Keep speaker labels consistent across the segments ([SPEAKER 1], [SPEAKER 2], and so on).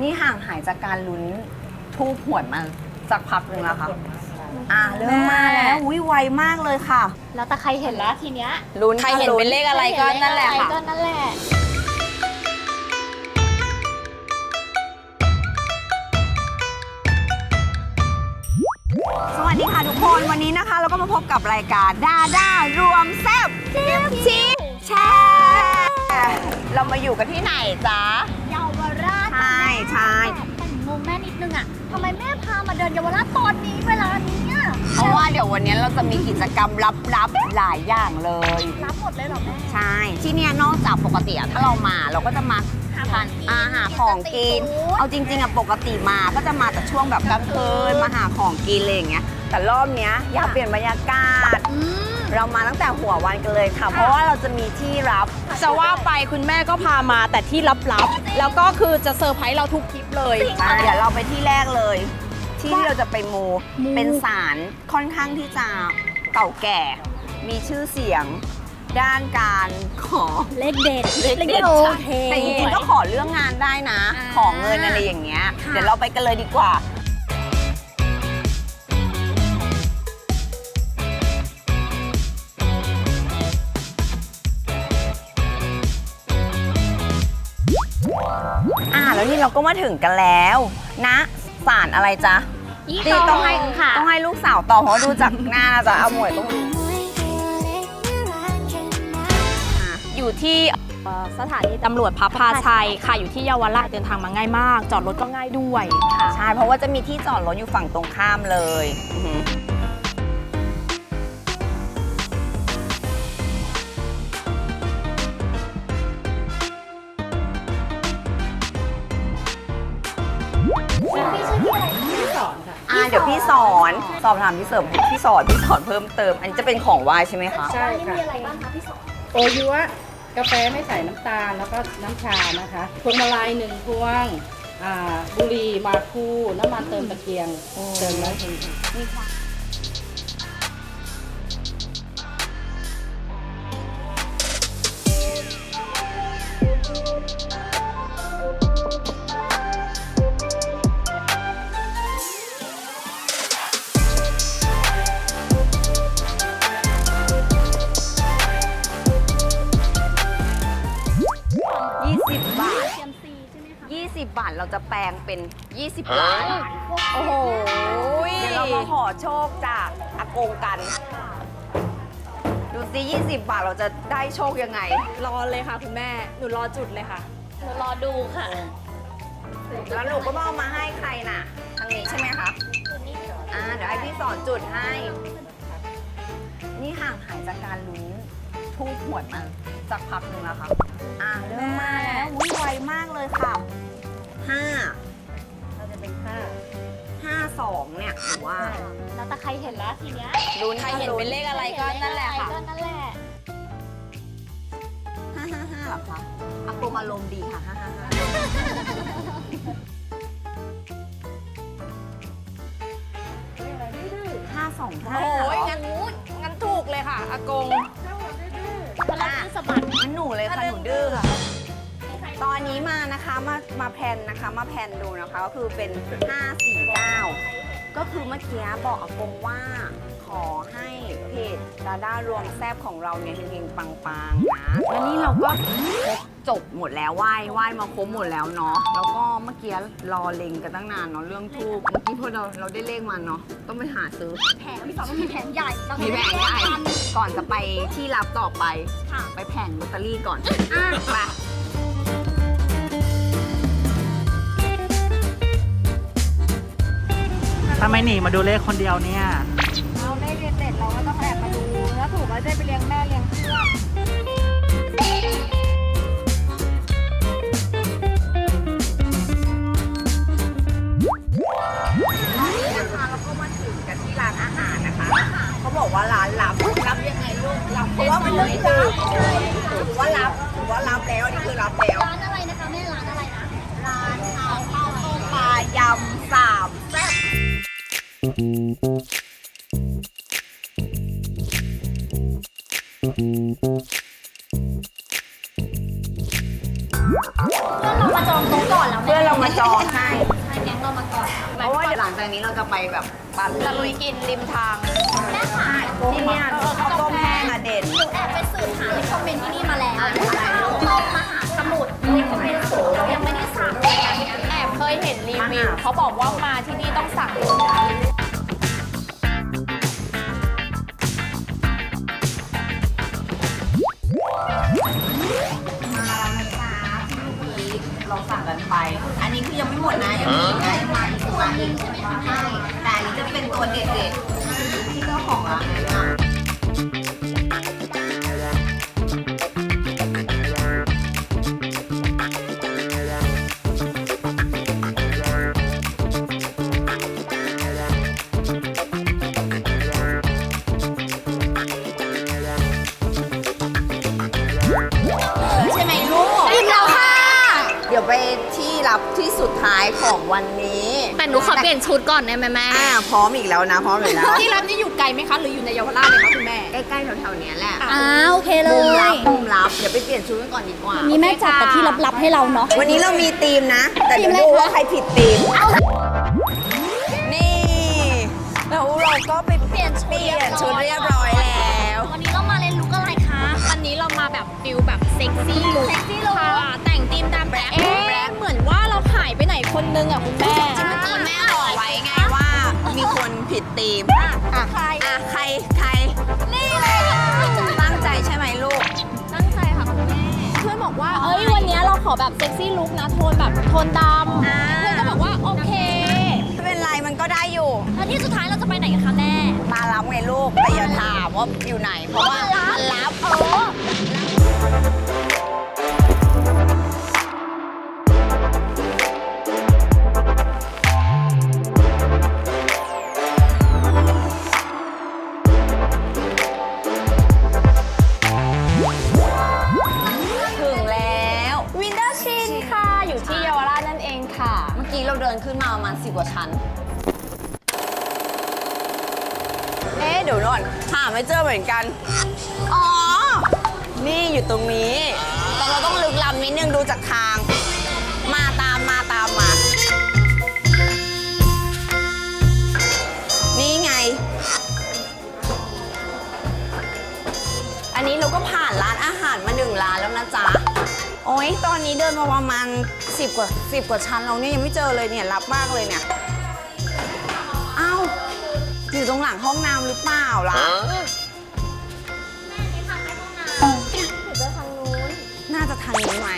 [SPEAKER 1] นี่ห่างหายจากการลุ้นทูบหวยมาสักพักหนึ่งแล้วค่ะเริ่มมาแล้วไวมากเลยค่ะ
[SPEAKER 2] แล้วแต่ใครเห็นแล้วทีเนี้ย
[SPEAKER 1] ลุ้นใครเห็นเป็นเลขอะไรก็นั่นแหละค่ะ
[SPEAKER 2] ก็นั่นแหละ
[SPEAKER 1] สวัสดีค่ะทุกคนวันนี้นะคะเราก็มาพบกับรายการดาด้ารวมแซ่บชิปแชร์เรามาอยู่กันที่ไหนจ๊ะ
[SPEAKER 2] เยาวราช
[SPEAKER 1] ใช่ใช่
[SPEAKER 2] แต่งงแม่นิดนึงอ่ะทำไมแม่พามาเดินเยาวราชตอนนี้เวลานี้อะ
[SPEAKER 1] เพราะว่าเดี๋ยววันนี้เราจะมีกิจกรรมลับๆหลายอย่างเลย
[SPEAKER 2] รับหมดเลยเหรอแม่
[SPEAKER 1] ใช่ที่เนี่ยนอกจากปกติถ้าเรามาเราก็จะมาทานอาหารของกินเอาจริงๆปกติมาก็จะมาแต่ช่วงแบบกลางคืนมาหาของกินอะไรอย่างเงี้ยแต่รอบเนี้ยอยากเปลี่ยนบรรยากาศเรามาตั้งแต่หัววันกันเลยค่ะเพราะว่าเราจะมีที่รับ
[SPEAKER 3] จะว่าไปคุณแม่ก็พามาแต่ที่ลับๆแล้วก็คือจะเซอร์ไพรส์เราทุกคลิปเลย
[SPEAKER 1] เดี๋ยวเราไปที่แรกเลย ที่เราจะไปมูเป็นศาลค่อนข้างที่จะเก่าแก่ มีชื่อเสียงด้านการขอ
[SPEAKER 2] เลขเด็ด
[SPEAKER 1] โอเคแต่จริงๆก็ขอเรื่องงานได้นะ ขอเงินอะไรอย่างเงี้ยเดี๋ยวเราไปกันเลยดีกว่าแล้วนี่เราก็มาถึงกันแล้วนะศาลอะไรจ๊ะ
[SPEAKER 2] ยี่ต้องให้ค่ะ
[SPEAKER 1] ต้องให้ลูกสาวตอบเพราะดูจากหน้านะจ๊ะเอาหมวยต้องรู้
[SPEAKER 3] อยู่ที่สถานีตำรวจพระพาชัยค่ะอยู่ที่เยาวราชเดินทางมาง่ายมาก จอดรถก็ง่ายด้วยค่ะ
[SPEAKER 1] ใช่เพราะว่าจะมีที่จอดรถอยู่ฝั่งตรงข้ามเลยเดี๋ยวพี่สอนสอบถามพี่เสริมพี่สอนเพิ่มเติม อันนี้จะเป็นของไหว้ใช่ไหมคะ
[SPEAKER 4] ใช่ค่ะ
[SPEAKER 2] มีอะไรบ้างคะพี่สอน
[SPEAKER 4] โอยัวกาแฟไม่ใส่น้ำตาลแล้วก็น้ำชานะคะพวงมาลัย1 พวงบุหรี่มาคูน้ำมันเติมตะเกียงเติมแล้วถึง
[SPEAKER 1] 20 บาท
[SPEAKER 2] เซียมซีใช่ไหมคะ
[SPEAKER 1] 20 บาทเราจะแปลงเป็น 20 ล้าน
[SPEAKER 3] โอ้โห
[SPEAKER 1] เดี๋ยวเรามาขอโชคจากอากงกัน ดูซิ20 บาทเราจะได้โชคยังไง
[SPEAKER 3] รอเลยค่ะคุณแม่หนูรอจุดเลยค่ะ
[SPEAKER 2] เดี๋ยวรอดูค่ะ
[SPEAKER 1] แล้วหนูก็มาเอามาให้ใครน่ะ ทางนี้ใช่ไหมคะเดี๋ยวให้พี่สอนจุดให้ นี่ห่างหายจากการลุ้นทูบหวยมาสักพักหนึ่งแล้วค่ะเริ่มมาแล้วไวมากเลยค่ะ5
[SPEAKER 4] เราจะเป็น
[SPEAKER 1] 52เนี่ยหรือว่า
[SPEAKER 2] แล้วแต่ใครเห็นแล้วทีเนี้ย
[SPEAKER 1] ลุ้น
[SPEAKER 3] ใครเห็นเป็นเลขอะไรก็นั่นแหละค่ะ
[SPEAKER 2] ก็นั่นแหละ
[SPEAKER 1] 555หรอคะอากงอารมณ์ดีค่ะ555
[SPEAKER 3] โอ้ยงั้นถูกเลยค่ะอากง
[SPEAKER 2] พลังที่สะบัด
[SPEAKER 1] งั้นหนูเลยค่ะหนูดื้อค่ะ ตอนนี้มานะคะมาแพนนะคะมาแพนดูนะคะก็คือเป็น 549 ก็คือเมื่อกี้บอกอากงว่าขอให้เพจดาด้ารวมแซบของเราเนี่ยเฮงๆปังๆนะแล้วนี่เราก็จบหมดแล้วไหว้มาครบหมดแล้วเนาะแล้วก็เมื่อกี้รอเล็งกันตั้งนานเนาะเรื่องทูบเมื่อกี้พอเราได้เลขมาเนาะต้องไปหาซื้อ
[SPEAKER 2] แผงพี่สอนต้องมีแผงใหญ่ต้อง
[SPEAKER 1] มีแผงใหญ่ก่อนจะไปที่รับต่อไป
[SPEAKER 2] ค่ะ
[SPEAKER 1] ไปแผงลอตเตอรี่ก่อนไป
[SPEAKER 5] ทำไมหนีมาดูเลขคนเดียวเนี่ย
[SPEAKER 2] เราได้เรียนเสร็จเราก็ต้องแอบมาดูแล้วถูกว่าได้ไปเลี้ยงแม่เลี้ยงเพื่อน
[SPEAKER 1] นะคะเราก็มาถึงกันที่ร้านอาหารนะคะ เขาบอกว่าร้านรับยังไงลูกรับเพราะว่ามันเลยรับถือว่ารับแล้วอันนี้คือรับแล้ว
[SPEAKER 2] ร้านอะไรนะคะแม่ร้านอะไรนะ ร้านข้าว
[SPEAKER 1] ปลายำ3แซ่บ
[SPEAKER 2] เรามาจองโต๊ะก่อนก่อนแล้ว
[SPEAKER 1] เพื่อนเรามาจองให้
[SPEAKER 2] ใช่แก๊งเรามาก่อน
[SPEAKER 1] เพราะว่าเดี๋ยวหลังจากนี้เราจะไปแบบปั่น
[SPEAKER 3] ตะลุยกินริมทาง
[SPEAKER 2] แม่ค่ะ
[SPEAKER 1] ที่เนี่ยข้าวต้มแห้งอะเด็ด
[SPEAKER 2] หนูแอบไปสืบหาในคอมเมนต์ที่นี่มาแล้วข้าวต้มมหาสมุทรในคอมเมนต์สูงเรายังไม่ได้สั่งเลยอันเนี้ย
[SPEAKER 3] แอบเคยเห็นรีวิวเขาบอกว่ามาที่นี่ต้องสั่ง
[SPEAKER 1] เราสั่งกันไป อันนี้คือยังไม่หมดนะ ยังมีอีกนะยังมาอีกมาอีกใช่แต่อันนี้จะเป็นตัวเด็ดๆที่เจ้าของร้านแนะนำใช่ไหมลูก
[SPEAKER 2] อิ่มแล้วค่ะ
[SPEAKER 1] เดี๋ยวไปที่รับที่สุดท้ายของวันนี้
[SPEAKER 2] แต่หนูขอเปลี่ยนชุดก่อนได้ไหมแม่
[SPEAKER 1] พร้อมอีกแล้วนะ พร้อมอีกแล้ว
[SPEAKER 3] ที่ร้านนี้อยู่ไกลไหมคะ หรืออยู่ในเยาวราชเลยคะคุณแม่
[SPEAKER 1] ใกล้ๆแถวๆเนี้ยแหละ
[SPEAKER 2] โอเคเล
[SPEAKER 1] มุมลั
[SPEAKER 2] ย
[SPEAKER 1] บมุมลับ เดี๋ยวไปเปลี่ยนชุดกันก่อนดีกว่า
[SPEAKER 2] มีแม่จัดแต่ที่ลับๆให้เราเนาะ
[SPEAKER 1] วันนี้เรามีธีมนะ แต่เดี๋ยว
[SPEAKER 2] ธีมอะไร
[SPEAKER 1] ดู
[SPEAKER 2] คะ
[SPEAKER 1] ว่าใครผิดธีม นี่แล้วเราก็ไปเปลี่ยนชุดเรียบร้อยแล้ว
[SPEAKER 2] วันนี้เรามาเรียนรู้อะไรคะ
[SPEAKER 3] วันนี้เรามาแบบฟิลแบบเซ็กซี่ลุค
[SPEAKER 2] เซ็กซี่ลุค
[SPEAKER 3] ค่ะแต่งธีมตามแบบเหมือนว่าเราหายไปไหนคนนึงอ่ะคุณแม่
[SPEAKER 1] เมื่อกี้แม่บอกไว้ไงว่ามีคนผิดธีมใครใคร
[SPEAKER 2] นี่เลยค่ะ
[SPEAKER 1] ตั้งใจใช่ไหมลูก
[SPEAKER 2] ตั้งใจค่ะคุณแม่
[SPEAKER 3] เพื่อนบอกว่า เอ้ยวันนี้เราขอแบบเซ็กซี่ลุคนะโทนแบบโทนดำ
[SPEAKER 1] อ่า
[SPEAKER 3] เพื่อนก็บอกว่าโอเค
[SPEAKER 1] ไม่เป็นไรมันก็ได้อยู่
[SPEAKER 2] แล้วที่สุดท้ายเราจะไปไหนกันคะแม่
[SPEAKER 1] มารับไงลูกแต่อย่าถามว่าอยู่ไหน เพราะว่ามันรับถึงแล้ววินเดอร์ชิน
[SPEAKER 3] ค่ะ อยู่ที่เยาวราชนั่นเองค่ะ
[SPEAKER 1] เมื่อกี้เราเดินขึ้นมาประมาณ10 กว่าชั้น เดี๋ยวก่อนหาไม่เจอเหมือนกัน อ๋อ นี่อยู่ตรงนี้แต่เราต้องลึกล้ำนิดนึงดูจากทาง มาตามมา นี่ไง อันนี้เราก็ผ่านร้านอาหารมา1 ร้านแล้วนะจ๊ะ โอ้ยตอนนี้เดินมาประมาณ10 กว่าชั้นแล้วเนี่ยยังไม่เจอเลยเนี่ยรับมากเลยเนี่ย อ้าว อยู่ตรงหลังห้องน้ำหรือเปล่าล่ะ น่าจะทางนี้ไหม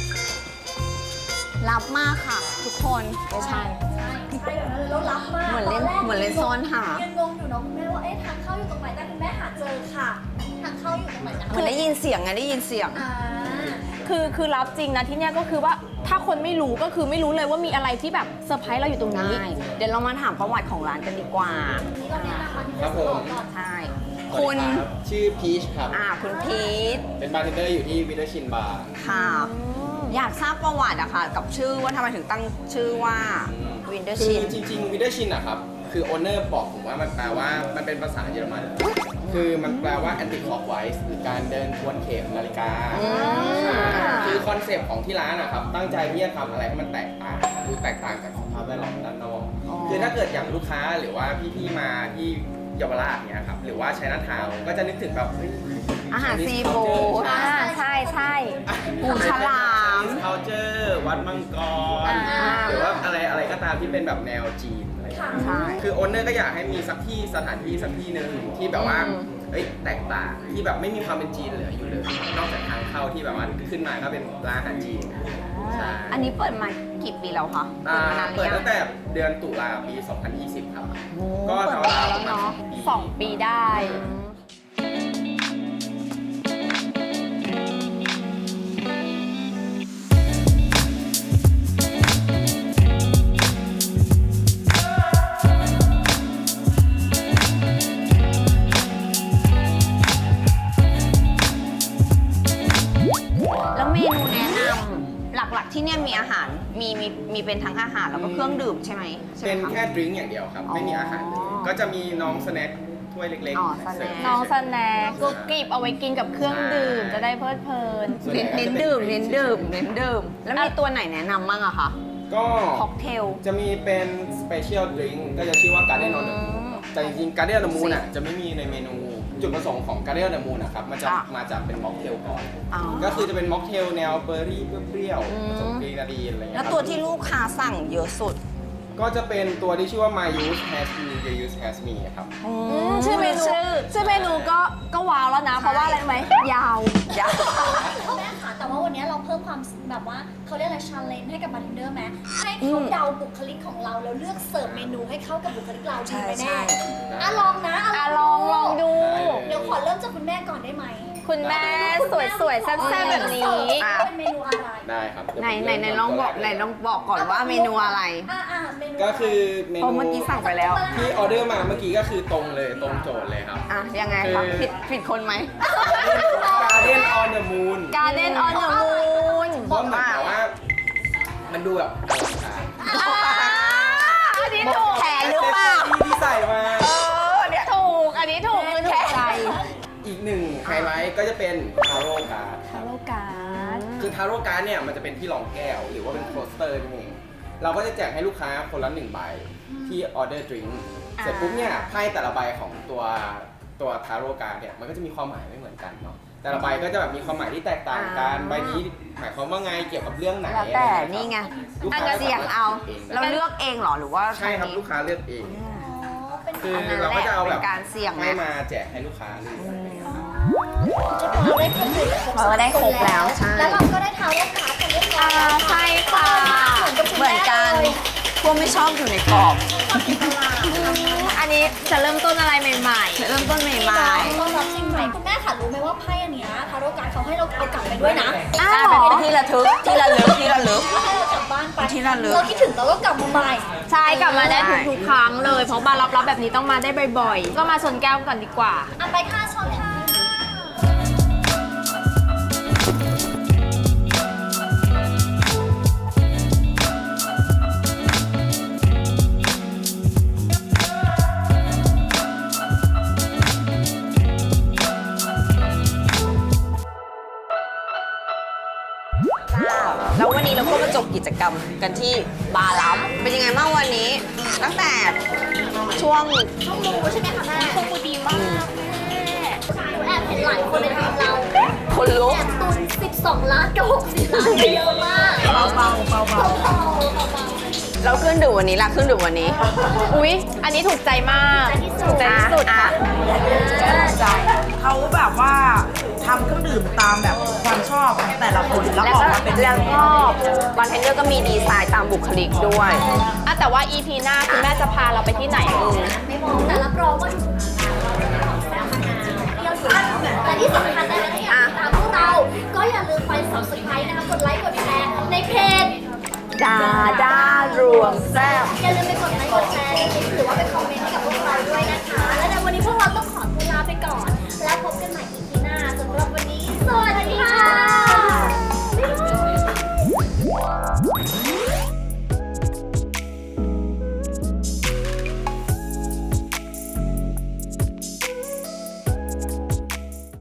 [SPEAKER 1] รับมากค่ะ ทุกคนไม่ใช่
[SPEAKER 2] เรารับมาก
[SPEAKER 1] เหมือนเล่นซ่อนหา
[SPEAKER 2] ยังงงอยู่เนาะคุณแม่ว่าทางเข้าอยู่ตรงไหนแต่คุณแม่หาเจอค่ะ ทางเข้าอยู่ตรงไหนนะ
[SPEAKER 1] เหมือนได้ยินเสียงไงได้ยินเสียง
[SPEAKER 3] คือรับจริงนะที่เนี่ยก็คือว่าถ้าคนไม่รู้ก็คือไม่รู้เลยว่ามีอะไรที่แบบเซอร์ไพรส์เราอยู่ตรงนี้
[SPEAKER 1] ได้ เดี๋ยวเรามาถามประวัติของร้านกันดีกว่า
[SPEAKER 6] ครับผม
[SPEAKER 1] ใช่
[SPEAKER 6] สวั
[SPEAKER 1] คุ
[SPEAKER 6] ส
[SPEAKER 1] ณ
[SPEAKER 6] ดีรับชื่อพีชครับ
[SPEAKER 1] คุณพีท
[SPEAKER 6] เป็นบาร์เทนเดอร์อยู่ที่วิเทอร์ชินบาร์
[SPEAKER 1] ค่ะ อยากทราบประวัติอะค่ะ กับชื่อว่าทำไมถึงตั้งชื่อว่าวินเดอร์
[SPEAKER 6] คื
[SPEAKER 1] ชิ
[SPEAKER 6] อน จริงๆวิเทอร์ชินอะครับ คือโอเนอร์บอกผมว่ามันแปลว่ามันเป็นภาษาเยอรมัน คือมันแปลว่า anti clockwise หรือการเดินทวนเข็มนาฬิกาใช่คือคอนเซปต์ของที่ร้านอะครับ ตั้งใจที่จะทำอะไรให้มันแตกต่างดูแตกต่างจากสภาพแวดล้อมด้านนอก คือถ้าเกิดอย่างลูกค้าหรือว่าพี่ๆมาที่เยาวราชเนี่ยครับ หรือว่าไชน่าทาวน์ก็จะนึกถึงแบบเฮ้ย
[SPEAKER 1] อาหารซีฟู้ด
[SPEAKER 3] ใช่
[SPEAKER 1] ปูฉลาม
[SPEAKER 6] culture วัดมังกร หรือว่าอะไรก็ตามที่เป็นแบบแนวจีนอะไรอย่างเงี้ย
[SPEAKER 1] ใช่
[SPEAKER 6] คือโอนเนอร์ก็อยากให้มีสักที่สถานที่สักที่หนึ่งที่แบบว่าเอ้ยแตกต่างที่แบบไม่มีความเป็นจีนเหลืออยู่เลย นอกจากทางเข้าที่แบบว่าขึ้นมาก็เป็นร้านอาหารจีนใช่
[SPEAKER 1] อันนี้เปิดมากี่ปีแล้วคะ
[SPEAKER 6] อ่า
[SPEAKER 1] เปิดมานานหรื
[SPEAKER 6] เปิ
[SPEAKER 1] อ
[SPEAKER 6] ด
[SPEAKER 1] ยัง
[SPEAKER 6] ตั้งแต่เดือนตุลาปี 2020 ครับ
[SPEAKER 1] โอ้
[SPEAKER 6] ก็
[SPEAKER 1] เปิด
[SPEAKER 6] ราว
[SPEAKER 1] มา
[SPEAKER 6] ๆ
[SPEAKER 1] แล้ว
[SPEAKER 6] ประมาณ
[SPEAKER 1] เนาะ
[SPEAKER 3] 2 ปีได้
[SPEAKER 1] แล้วเมนูแนะนำหลักๆที่เนี่ยมีอาหารมีเป็นทั้งอาหารแล้วก็เครื่องดื่มใช่ไหมใช่ไหม
[SPEAKER 6] เป็น
[SPEAKER 1] คะ
[SPEAKER 6] แค่ดริงก์อย่างเดียวครับ ไม่มีอาหารเลย
[SPEAKER 1] อ๋อ
[SPEAKER 6] ก็จะมีน้องสแน็คถ้วยเล็ก
[SPEAKER 1] อ๋อ
[SPEAKER 6] ๆ
[SPEAKER 1] สแน็ค
[SPEAKER 3] น้องสแน็คกรุบกริบเอาไว้กินกับเครื่องดื่มจะได้เพลิดเพลิน
[SPEAKER 6] ส่วนใหญ่
[SPEAKER 1] เน้นดื่ม แล้วมีตัวไหนแนะนำบ้างอะคะ
[SPEAKER 6] ก็
[SPEAKER 1] ค็อกเทล
[SPEAKER 6] จะมีเป็น special drink ก็จะชื่อว่า Guardian on the Moon แต่จริงๆ Guardian on the Moon อ่ะจะไม่มีในเมนู จุดประสงค์ของ Guardian on the Moon นะครับมันจะ
[SPEAKER 1] อ่ะ
[SPEAKER 6] มาจากเป็นม็อกเทลก่อน
[SPEAKER 1] อ๋อ
[SPEAKER 6] ก็คือจะเป็นม็อกเทลแนวเบอร์รี่เปรี้ยวๆผสมกรีนาดีนอะไรเงี้ย
[SPEAKER 1] แล้ว
[SPEAKER 6] ครับ
[SPEAKER 1] ตัวที่ลูกค้าสั่งเยอะสุด
[SPEAKER 6] ก็จะเป็นตัวที่ชื่อว่า My Use Has Me Your Use Has Me ครับ
[SPEAKER 3] ชื่อเมนูก็ว้าวแล้วนะ เพราะว่าอะไรรู้ไหมยาว
[SPEAKER 2] แม่ค่ะแต่ว่าวันนี้เราเพิ่มความแบบว่าเขาเรียกอะไรชาเลนจ์ให้กับบาร์เทนเดอร์ไหมให้เขาเดาบุคลิกของเราแล้วเลือกเสิร์ฟเมนูให้เข้ากับบุคลิกเราดีไหม
[SPEAKER 1] ใช่
[SPEAKER 2] แม่อ่ะลองนะ
[SPEAKER 3] ลองดู
[SPEAKER 2] เดี๋ยวขอเริ่มจากคุณแม่ก่อนได้ไหม
[SPEAKER 3] คุณแม่สวยๆแซ่บๆแบบนี้
[SPEAKER 2] เป็นเมนูอะไร
[SPEAKER 6] ได้ครับเดี๋ยว
[SPEAKER 1] ไหน
[SPEAKER 6] ผม
[SPEAKER 1] ลองบอก
[SPEAKER 6] เริ่ม
[SPEAKER 1] ลองบอกก่อนว่าเมนูอะไร
[SPEAKER 2] เมนู
[SPEAKER 6] ก็คือเม
[SPEAKER 1] เพราะ
[SPEAKER 6] นู
[SPEAKER 1] เมื่อกี้สั่งไปแล้ว
[SPEAKER 6] ที่ออเดอร์มาเมื่อกี้ก็คือตรงเลยตรงโจทย์เลยครับ
[SPEAKER 1] อ่ะ ยังไงครับ ผิดคนไหม
[SPEAKER 6] Guardian on the Moon
[SPEAKER 3] Garden on the Moon
[SPEAKER 6] เพราะเหมือนกับว่ามันดูแบบอลังการ
[SPEAKER 3] อันนี้ถูก
[SPEAKER 1] แผนหรือเปล่า
[SPEAKER 6] ที่ใส่มา
[SPEAKER 1] เนี่ย
[SPEAKER 3] ถูก อันนี้ถูกคือถูกใจ
[SPEAKER 6] อีกหนึ่งไฮไลท์ก็จะเป็นทาโร่การ์ด
[SPEAKER 3] ทาโร่การ์ด
[SPEAKER 6] คือทาโร่การ์ดเนี่ยมันจะเป็นที่รองแก้ว หรือว่าเป็นโคสเตอร์นั่นเองเราก็จะแจกให้ลูกค้าคนละ1ใบที่ออเดอร์ดริงก์เสร็จปุ๊บเนี่ยไพ่แต่ละใบของตัวทาโร่การ์ดเนี่ยมันก็จะมีความหมายไม่เหมือนกันเนาะแต่ละใบก็จะแบบมีความหมายที่แตกต่างกันใบนี้หมายความว่าไงเกี่ยวกับเรื่องไหน
[SPEAKER 1] แล้วแต่นี่ไง
[SPEAKER 6] ลูก
[SPEAKER 1] อัน
[SPEAKER 6] ค้า
[SPEAKER 1] เสี่ยงเอา เราเลือกเองเหรอหรือว่า
[SPEAKER 6] ใช่ครับ
[SPEAKER 1] ทางนี้
[SPEAKER 6] ลูกค้าเลือกเอง
[SPEAKER 2] เป็น
[SPEAKER 6] คือ
[SPEAKER 1] อันนั้น
[SPEAKER 6] เราก็จะเอา
[SPEAKER 1] แห
[SPEAKER 6] แบ
[SPEAKER 1] ละ
[SPEAKER 6] บ
[SPEAKER 1] เป็นการเสี่ยง
[SPEAKER 6] ให้
[SPEAKER 1] นะ
[SPEAKER 6] มาแจกให้ลูกค้าเลย
[SPEAKER 2] เราได้ครบเลย
[SPEAKER 1] เราได้ครบแล้วใช่
[SPEAKER 2] แล้วเราก็ได้ทาโร่การ์ดกันเรียบร้อยแล้ว
[SPEAKER 3] ใช่ค่ะ
[SPEAKER 1] เหมือนกันพวกไม่ชอบอยู่ในกรอบ
[SPEAKER 3] อันนี้จะเริ่มต้นอะไรใหม่
[SPEAKER 1] เริ่มต้นใหม่
[SPEAKER 2] ต้อนรับสิ่งใหม่คุณแม่ค่ะรู้ไหมว่าไพ่อันเนี้ยทาโร่การ์ดเขาให้เราเอากลับไปด้วยนะ
[SPEAKER 1] ๆอ้าวเป็นที่ระทึกที่ระลึก
[SPEAKER 2] ให้เรากลับบ้านไป
[SPEAKER 1] ที่ระลึก
[SPEAKER 2] เราคิดถึงเราก็กลับมาใหม่
[SPEAKER 3] ๆ ใช่กลับมาได้ทุกๆครั้งเลย เพราะบาร์รับแบบนี้ต้องมาได้บ่อยๆ ก็มาชนแก้วก่อนดีกว่า
[SPEAKER 2] อ่ะไปค่ะชอนค่ะ
[SPEAKER 1] แล้ววันนี้เราก็มาจบกิจกรรมกันที่บาร์ลับเป็นยังไงบ้างวันนี้ ตั้งแต่ช่วง
[SPEAKER 2] ช่องมูใช่ไหมคะแม่ช่องมูดีมากแม่หนูแอบเห็นหลายคนในทีมเรา
[SPEAKER 1] คนลุก
[SPEAKER 2] แอบตุน12 ล้านกับ60 ล้านไปเยอะมากเบาๆ
[SPEAKER 1] แล้วเครื่องดื่มวันนี้ล่ะเครื่องดื่มวันนี้
[SPEAKER 3] อุ๊ย อันนี้ถูกใจมาก ถูกใจที่สุดค่ะ
[SPEAKER 5] เขาแบบว่าทำเครื่องดื่มตามแบบความชอบของแต่ละคนแล้ว
[SPEAKER 1] แล้ว
[SPEAKER 5] ออก
[SPEAKER 1] ก็
[SPEAKER 5] มาเป็น
[SPEAKER 1] แล้วก็บาร์เทนเดอร์ก็มีดีไซน์ตามบุคลิกด้วย
[SPEAKER 3] แต่ว่า EP หน้าคุณแม่จะพาเราไปที่ไหน
[SPEAKER 2] ไม่มองแต่รับรองว่าทุกๆเราจะมีความแซ่บมานานที่เราอยู่แต่ที่สำคัญนะเนี่ย
[SPEAKER 1] อ่ะ